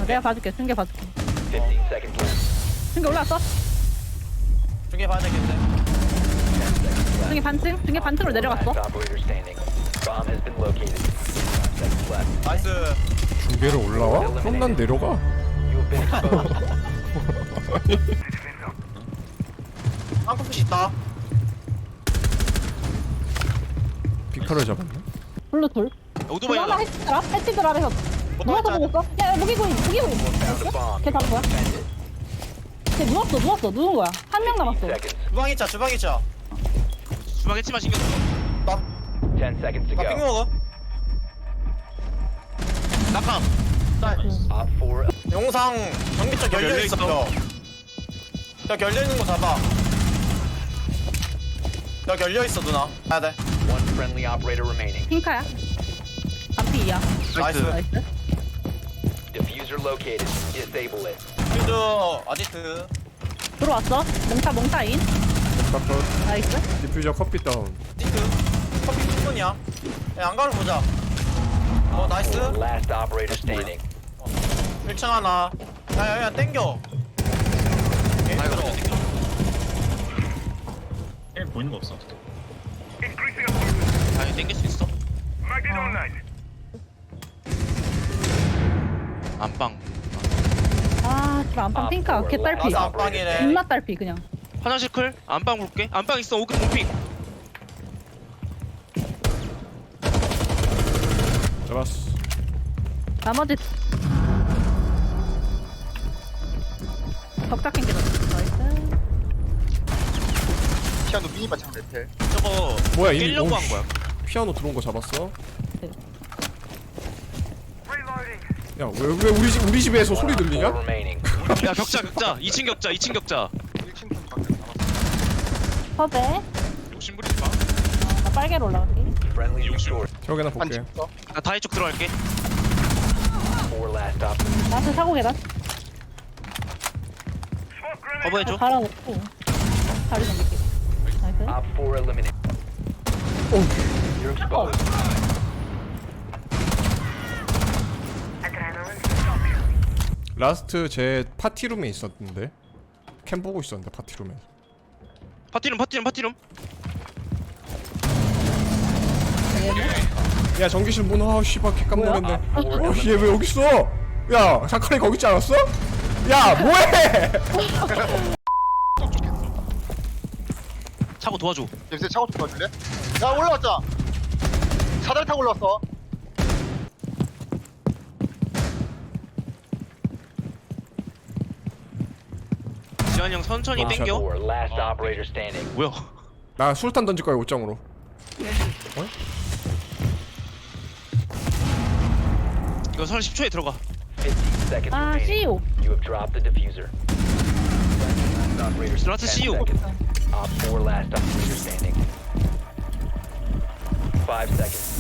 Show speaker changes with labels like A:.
A: 내가 봐줄게. 중계 봐줄게.
B: 15 seconds left.
A: 중계 올라왔어?
C: 중계 봐야 되겠는데.
B: 10 seconds left.
A: 중계 반층? 중계 반층으로 내려갔어?
B: Last operator standing. Bomb has been located. 5 seconds left.
C: 나이스.
D: 중계를 올라와? 그럼 난 내려가.
B: You have been exposed.
C: 한국수 있다.
D: 피카를 잡았네.
A: 블루 돌.
E: 오토바이
A: 하나
E: 하나.
A: 해치더라? 해치더라 아래서. 누워서 보고 있어? 야, 무기고인.
B: Found a bomb.
A: 걔 잡은 거야?
B: Defend it.
A: 걔 누웠어. 누운 거야. 한 명 남았어.
B: 15 seconds.
C: 주방 있자, 주방 있자.
E: 주방 했지만 신경 써.
C: 나,
B: 10 seconds to
C: 나 핑
B: go.
C: 먹어.
E: 낙함.
C: 나,
B: Op 4.
C: 영상 경비 쪽 열려 있어.
E: 열려있어.
C: 야, 열려 있는 거 잡아. 야, 열려 있어, 누나. 가야 돼.
B: One friendly operator remaining.
A: 핑카야. 반피야.
C: 나이스.
A: 나이스.
B: Diffuser located. Disable it.
C: 퓨즈, 아지트.
A: 들어왔어. 몽타인.
D: 깜빡.
A: 나이스.
D: 디퓨저 커피 다운.
C: 아지트. 커피 충분이야. 야, 안가를 보자. 나이스.
B: Last operator standing.
C: 1층 하나. 야, 땡겨.
E: 아 이거 먼저 땡겨.
F: 보이는 거 없어.
E: 아니 땡길 수 있어. 안방.
A: 아, 진짜 안방 핑카. 개 딸피.
C: 나도 안방이래.
A: 존나 딸피 그냥.
E: 화장실 클. 안방 볼게. 안방 있어. 오금 오핑.
D: 잡았어.
A: 나머지 덕작 캔게 나이스.
G: 피아노 미니 바창 레텔.
E: 저거
D: 뭐야, 이미
E: 깰려고
D: 오,
E: 한 거야.
D: 피아노 들어온 거 잡았어?
A: 네.
D: 야, 왜 우리 집에서 소리
B: 4
D: 들리냐?
B: remaining.
E: 야 격자. 2층 격자. 2층 격자.
G: 1층 좀 밖에 남았어.
A: 섭외.
E: 욕심 부리지 마.
A: 나 빨개로 올라갈게.
B: Friendly restored.
D: 저기나 볼게.
G: 반칙 있어.
E: 나 다이 쪽 들어갈게.
B: 4 last op.
A: 나한테 사고 계단.
E: 커버해줘.
A: 갈아놓고 다리 넘길게. 나이스.
B: Op 4 eliminated. You're exposed.
D: 라스트 제 파티룸에 있었는데. 캠 보고 있었는데 파티룸에.
E: 파티룸.
D: 야, 전기실 문. 아, 씨발 개 깜놀했네.
B: Op 4
D: 얘 왜 여기 있어? 야, 자카리 거기 있지 않았어? 야, 뭐해?
E: 차고 도와줘.
G: 냄새 차고 좀 도와줄래? 야 올라왔자. 사다리 타고 올라왔어.
E: 지환이 형 천천히
D: 아,
E: 땡겨.
B: 4 last operator standing.
E: 뭐야?
D: 나 술탄 던질 거야, 옷장으로.
E: 이거 설 10초에 들어가.
B: 15 seconds
A: 아,
B: remaining.
A: CEO.
B: You have dropped the diffuser. Last operator
E: Last
B: 10
E: CEO.
B: seconds. Op 4 last operator standing. 5 seconds.